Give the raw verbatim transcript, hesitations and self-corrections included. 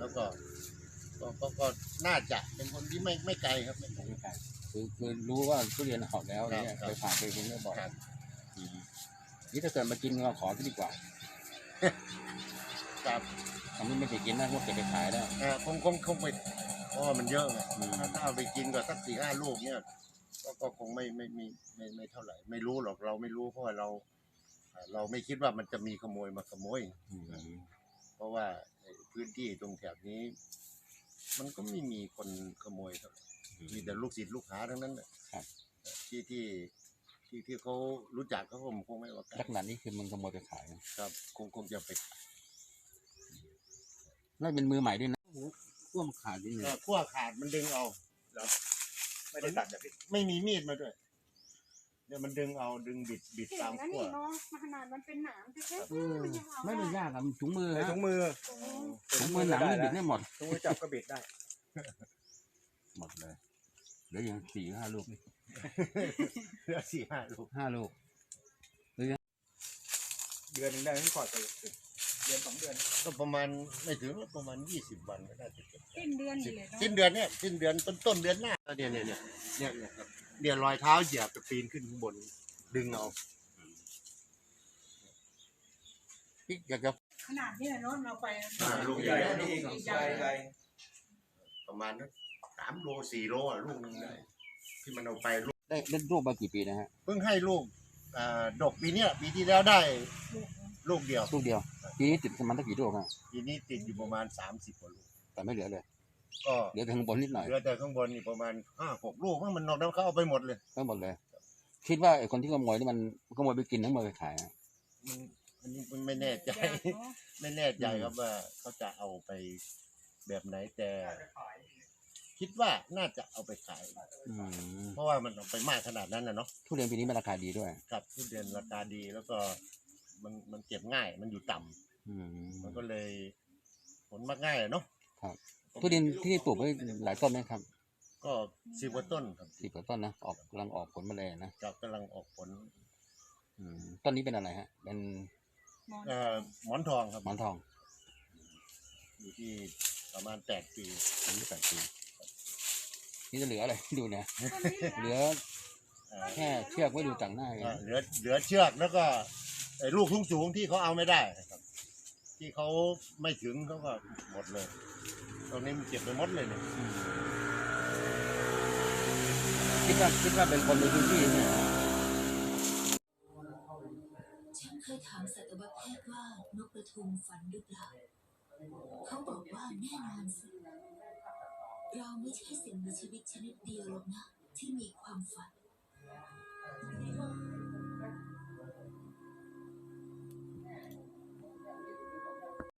แล้วก็ก็ก็ก็น่าจะเป็นคนที่ไม่ไม่ไกลครับไม่ไกลไม่ไกลคือคือรู้ว่าทุเรียนออกแล้วเนี่ยเคยผ่านเคยกินเรื่อยบ่อยนี่ถ้าเกิดมากินเราขอที่ดีกว่าครับอันนี้ไม่ไปกินนะพวกเก็บไปขายได้เออคงคงคงไปเพราะว่ามันเยอะไงถ้าถ้าเอาไปกินก็สักสี่ห้าลูกเนี่ยก็ก็คงไม่ไม่ไม่ไม่ไม่เท่าไหร่ ไม่รู้หรอกเราไม่รู้เพราะว่าเรา เราไม่คิดว่ามันจะมีขโมยมาขโมยเพราะว่าพื้นที่ตรงแถบนี้ มันก็ไม่มีคนขโมยครับมีแต่ลูกศิษย์ลูกหาทั้งนั้นแหละที่ที่ที่ที่เขารู้จักเขาคงไม่ว่ากันลักษณะนี้คือมันขโมยไปขายครับคงคงจะไปขายแล้วเป็นมือใหม่ด้วยนะขั้วมันขาดจริงเลยขั้วขาดมันดึงเอาไม่ได้ตัดแบบไม่มีมีดมาด้วยเนี่ยมันดึงเอาดึงบิดบิดตามขั้วเนาะมาขนาดมันเป็นหนามแค่ๆไม่เป็นยากครับถุงมือฮะถุงมือถุงมือหนังนี่บิดได้หมดถุงมือจับก็บิดได้หมดเลยเหลืออย่างสี่ห้าลูกเหลือสี่ห้าลูกห้าลูกเดือนหนึ่งได้ไม่พอใจเดือนสองเดือนก็ประมาณไม่ถึงประมาณยี่สิบวันก็ได้จะเก็บสิ้นเดือนเลยสิ้นเดือนเนี่ยสิ้นเดือนต้นต้นเดือนหน้าเนี่ยเนี่ยเนี่ยเนี่ยเนี่ยครับเดี๋ยวรอยเท้าเหยียบจะปีนขึ้นข้างบนดึงเอาพี่อยากจะขนาดนี้เลยเนาะเราไปลูกใหญ่ลูกใหญ่ใหญ่ประมาณนั้นสามโลสี่โลอ่ะลูกนึงได้ที่มันเอาไปลูกได้เล่นลูกมากี่ปีนะฮะเพิ่งให้ลูกอ่าดกปีเนี้ยปีที่แล้วได้ลูกเดียวลูกเดียวปีนี้ติดประมาณตั้งกี่ลูกอ่ะปีนี้ติดอยู่ประมาณสามสิบกว่าลูกแต่ไม่เหลือเลยก็เหลือแต่ข้างบนนิดหน่อยเหลือแต่ข้างบนนี่ประมาณห้าหกลูกมันนอกนั้นเขาเอาไปหมดเลยทั้งหมดเลยคิดว่าไอ้คนที่ขโมยนี่มันขโมยไปกินทั้งหมดไปขายอ่ะอันนี้มันไม่แน่ใจไม่แน่ใจครับว่าเขาจะเอาไปแบบไหนแต่คิดว่าน่าจะเอาไปขายเพราะว่ามันเอาไปมากขนาดนั้นนะเนาะทุเรียนปีนี้มันราคาดีด้วยครับทุเรียนราคาดีแล้วก็มันมันเก็บง่ายมันอยู่ต่ำมันก็เลยผลมักง่ายเนาะครับทุเรียนที่นี่ปลูกไว้หลายต้นไหมครับก็สิบกว่าต้นครับสิบกว่าต้นนะออกกำลังออกผลมาเลยนะครับกำลังออกผลต้นนี้เป็นอะไรฮะเป็นหมอนทองครับหมอนทองอยู่ที่ประมาณแปดปีอายุแปดปีนี่จะเหลืออะไรดูเนี่ยเหลือแค่เชือกไว้ดูต่างหน้าเหลือเหลือเชือกแล้วก็ไอ้ลูกสูงๆที่เขาเอาไม่ได้ครับที่เขาไม่ถึงเขาก็หมดเลยตรงนี้มันเก็บไปหมดเลยเนี่ยคิดว่าคิดว่าเป็นคนในพื้นที่เนี่ยฉันเคยถามสัตวแพทย์ว่านกกระทุงฝันหรือเปล่าเขาบอกว่าแน่นอนสิเราไม่ใช่สิ่งมีชีวิตชนิดเดียวหรอกนะที่มีความฝัน